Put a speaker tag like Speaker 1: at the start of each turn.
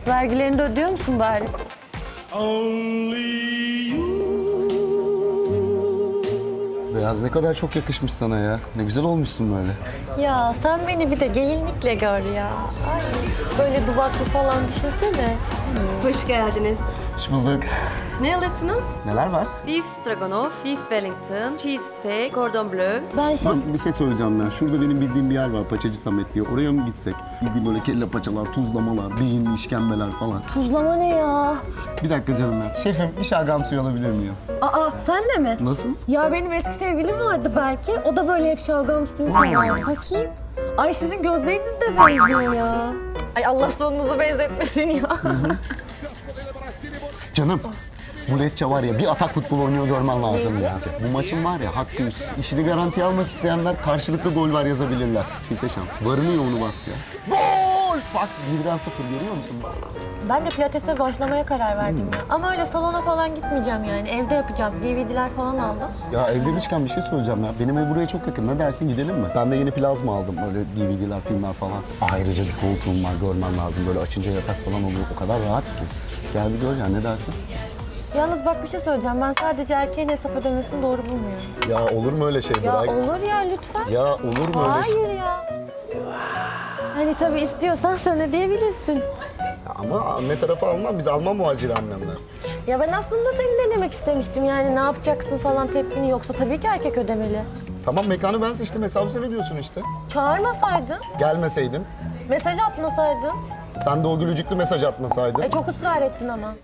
Speaker 1: Vergilerini de ödüyor musun bari?
Speaker 2: Beyaz ne kadar çok yakışmış sana ya. Ne güzel olmuşsun böyle.
Speaker 1: Ya sen beni bir de gelinlikle gör ya. Ay, böyle duvaklı falan düşünsene.
Speaker 3: Hoş geldiniz.
Speaker 2: Hoş bulduk.
Speaker 3: Ne alırsınız?
Speaker 2: Neler var?
Speaker 3: Beef stroganoff, beef wellington, cheese steak, cordon bleu.
Speaker 2: Ben bir şey söyleyeceğim ya. Şurada benim bildiğim bir yer var, Paçacı Samet diye. Oraya mı gitsek? Bildiğim böyle kelle paçalar, tuzlamalar, beyin, işkembeler falan.
Speaker 1: Tuzlama ne ya?
Speaker 2: Bir dakika canım ya. Şefim bir şalgam suyu alabilir miyim?
Speaker 1: Aa sen de mi?
Speaker 2: Nasıl?
Speaker 1: Ya benim eski sevgilim vardı belki. O da böyle hep şalgam suyu sever. Bakayım. Ay sizin gözleriniz de benziyor ya. Ay Allah sonunuzu benzetmesin ya.
Speaker 2: Canım. Bu Lecce var ya bir atak futbol oynuyor görmen lazım ya. Bu maçın var ya hakkı üst. İşini garantiye almak isteyenler karşılıklı gol var yazabilirler. Çifte şans. Varını yoğunu bas ya. Gol! Bak 1'den 0 görüyor musun?
Speaker 1: Ben de pilatese başlamaya karar verdim ya. Ama öyle salona falan gitmeyeceğim yani. Evde yapacağım. DVD'ler falan aldım.
Speaker 2: Ya ev demişken bir şey söyleyeceğim ya. Benim ev buraya çok yakın. Ne dersin gidelim mi? Ben de yeni plazma aldım. Öyle DVD'ler, filmler falan. Ayrıca bir koltuğum var görmen lazım. Böyle açınca yatak falan oluyor. O kadar rahat ki. Gel bir gör ya ne dersin?
Speaker 1: Yalnız bak bir şey söyleyeceğim. Ben sadece erkeğin hesap ödemesini doğru bulmuyorum.
Speaker 2: Ya olur mu öyle şey
Speaker 1: Ya
Speaker 2: Bırak?
Speaker 1: olur ya lütfen.
Speaker 2: Ya olur mu öyle şey?
Speaker 1: Hayır ya. Hani tabii istiyorsan sen ödeyebilirsin.
Speaker 2: Ya ama anne tarafı Alman. Biz Alman muhacir annemler.
Speaker 1: Ya ben aslında seni denemek istemiştim yani ne yapacaksın falan tepkini yoksa tabii ki erkek ödemeli.
Speaker 2: Tamam mekanı ben seçtim. Hesabı sen ödüyorsun işte.
Speaker 1: Çağırmasaydın,
Speaker 2: Gelmeseydin.
Speaker 1: mesaj atmasaydın.
Speaker 2: Sen de o gülücüklü mesaj atmasaydın.
Speaker 1: Çok ısrar ettin ama.